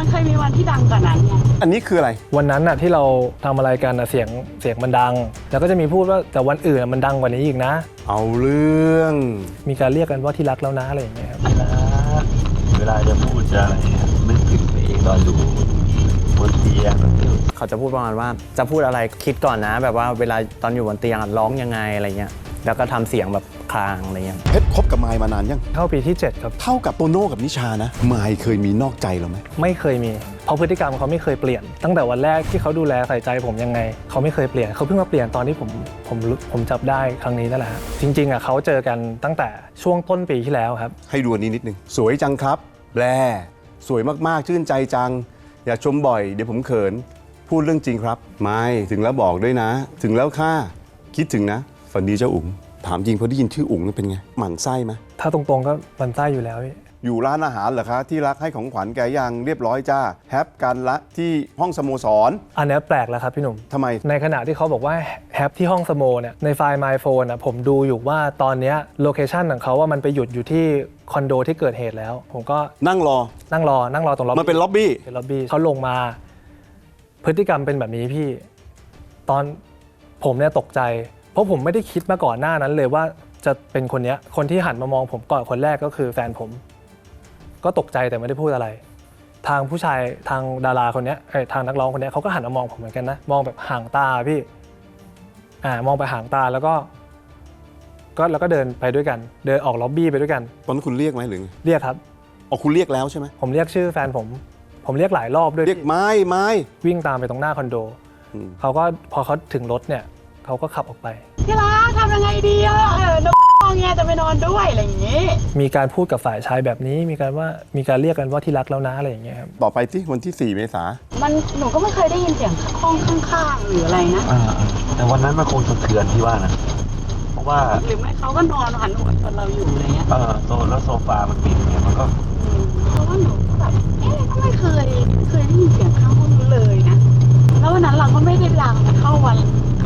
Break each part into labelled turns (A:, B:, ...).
A: มันเคยมีวันที่ดังกว่านั้นไง
B: อันนี้คืออะไร
C: วันนั้นน่ะที่เราทำอะไรกันเสียงมันดังแล้วก็จะมีพูดว่าแต่วันอื่นมันดังกว่านี้อีกนะ
B: เอาเรื่อง
C: มีการเรียกกันว่าที่รักแล้วนะอะไรอย่างเงี้ยครับ
D: เวลาจะพูดจะอะไรนึกถึงตัวเองตอนอยู่บนเตียง
E: เขาจะพูดประมาณว่าจะพูดอะไรคิดก่อนนะแบบว่าเวลาตอนอยู่บนเตียงร้องยังไงอะไรเงี้ยแล้วก็ทำเสียงแบบคลางอะไรเงี้ย
B: เพชรคบกับมายมานานยัง
C: เข้าปีที่7ครับ
B: เท่ากับโตโน่กับนิชานะมายเคยมีนอกใจเราไหม
C: ไม่เคยมีเพราะพฤติกรรมเขาไม่เคยเปลี่ยนตั้งแต่วันแรกที่เขาดูแลใส่ใจผมยังไงเขาไม่เคยเปลี่ยนเขาเพิ่งมาเปลี่ยนตอนที่ผมจับได้ครั้งนี้นั่นแหละจริงๆอ่ะเขาเจอกันตั้งแต่ช่วงต้นปีที่แล้วครับ
B: ให้ดูอันนี้นิดนึงสวยจังครับแบลสวยมากๆชื่นใจจังอย่าชมบ่อยเดี๋ยวผมเขินพูดเรื่องจริงครับไม่ถึงแล้วบอกด้วยนะถึงแล้วค่ะคิดถึงนะฝันดีเจ้าอุ๋งถามจริงพอได้ยินชื่ออุ๋งเป็นไงหมั่นไส้ไหม
C: ถ้าตรงๆก็มันไส้อยู่แล้ว
B: อยู่ร้านอาหารเหรอคะที่รักให้ของขวัญแกยังเรียบร้อยจ้าแฮปกันละที่ห้องสโมสร
C: อันนี้แปลกแล้วครับพี่หนุ่ม
B: ทำไม
C: ในขณะที่เขาบอกว่าแฮปที่ห้องสโมเนี่ยในไฟล์ My Phone อ่ะผมดูอยู่ว่าตอนนี้โลเคชันของเขาว่ามันไปหยุดอยู่ที่คอนโดที่เกิดเหตุแล้วผมก็
B: นั่งรอ
C: ตรงล็อบบี้
B: มันเป็นล็อบบี้
C: เขาลงมาพฤติกรรมเป็นแบบนี้พี่ตอนผมเนี่ยตกใจเพราะผมไม่ได้คิดมาก่อนหน้านั้นเลยว่าจะเป็นคนนี้คนที่หันมามองผมก่อนคนแรกก็คือแฟนผมก็ตกใจแต่ไม่ได้พูดอะไรทางผู้ชายทางดาราคนนี้ทางนักร้องคนนี้เขาก็หันมามองผมเหมือนกันนะมองแบบห่างตาพี่มองไปห่างตาแล้วก็เดินไปด้วยกันเดินออกล็อบบี้ไปด้วยกัน
B: ตอนนั้นคุณเรียกไหมหรือ
C: เรียกครับ
B: คุณเรียกแล้วใช่ไหม
C: ผมเรียกชื่อแฟนผมเรียกหลายรอบด้วย
B: เรียกไม่
C: วิ่งตามไปตรงหน้าคอนโดเขาก็พอเขาถึงรถเนี่ยเขาก็ขับออกไป
A: ที่รักทำยังไงดีน้องเงี้ยจะไปนอนด้วยอะไรอย่างงี้
C: มีการพูดกับฝ่ายชายแบบนี้มีการเรียกกันว่าที่รักแล้วนะอะไรอย่างเงี้ยครับ
B: ต่อไปที่วันที่4 เมษาย
A: นหนูก็ไม่เคยได้ยินเสียงห้องข้างๆหรืออะไรนะ
D: แต่วันนั้นมันคงสะเทือนที่ว่านะเพราะว่า
A: หรือไม่เขาก็นอนหันหัวชนเราอยู่อะไรเงี้ย
D: แล้วโซฟามันปิดเนี่ยมันก็
A: เพราะว่าหนูแบบก็ไม่เคยได้ยินเสียงข้างห้องเลยนะแล้ววันนั้นเราก็ไม่ได้ดังเข้าวัน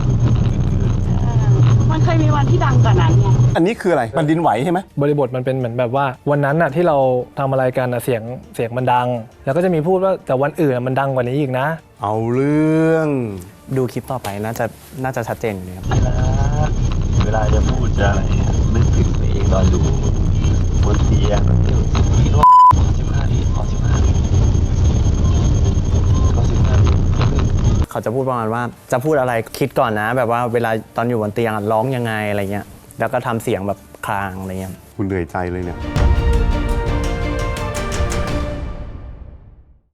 A: มันเคยมีวันที่ดังกว่านั้นไง
B: อันนี้คืออะไรมันดินไหวใช่ไหม
C: บริบทมันเป็นเหมือนแบบว่าวันนั้นน่ะที่เราทำอะไรกันเสียงมันดังแล้วก็จะมีพูดว่าแต่วันอื่นมันดังกว่านี้อีกนะ
B: เอาเรื่อง
E: ดูคลิปต่อไปน่าจะชัดเจนอยู่ครับ
D: เวลาจะพูดจะอะไรนึกถึงตัวเองตอนอยู่บนเตียงพี่โน้15 นาทีขอ15 นาที
E: เขาจะพูดประมาณว่าจะพูดอะไรคิดก่อนนะแบบว่าเวลาตอนอยู่บนเตียงร้องยังไงอะไรเงี้ยแล้วก็ทำเสียงแบบคลางอะไรเงี้ย
B: คุณเหนื่อยใจเลยเนี่ย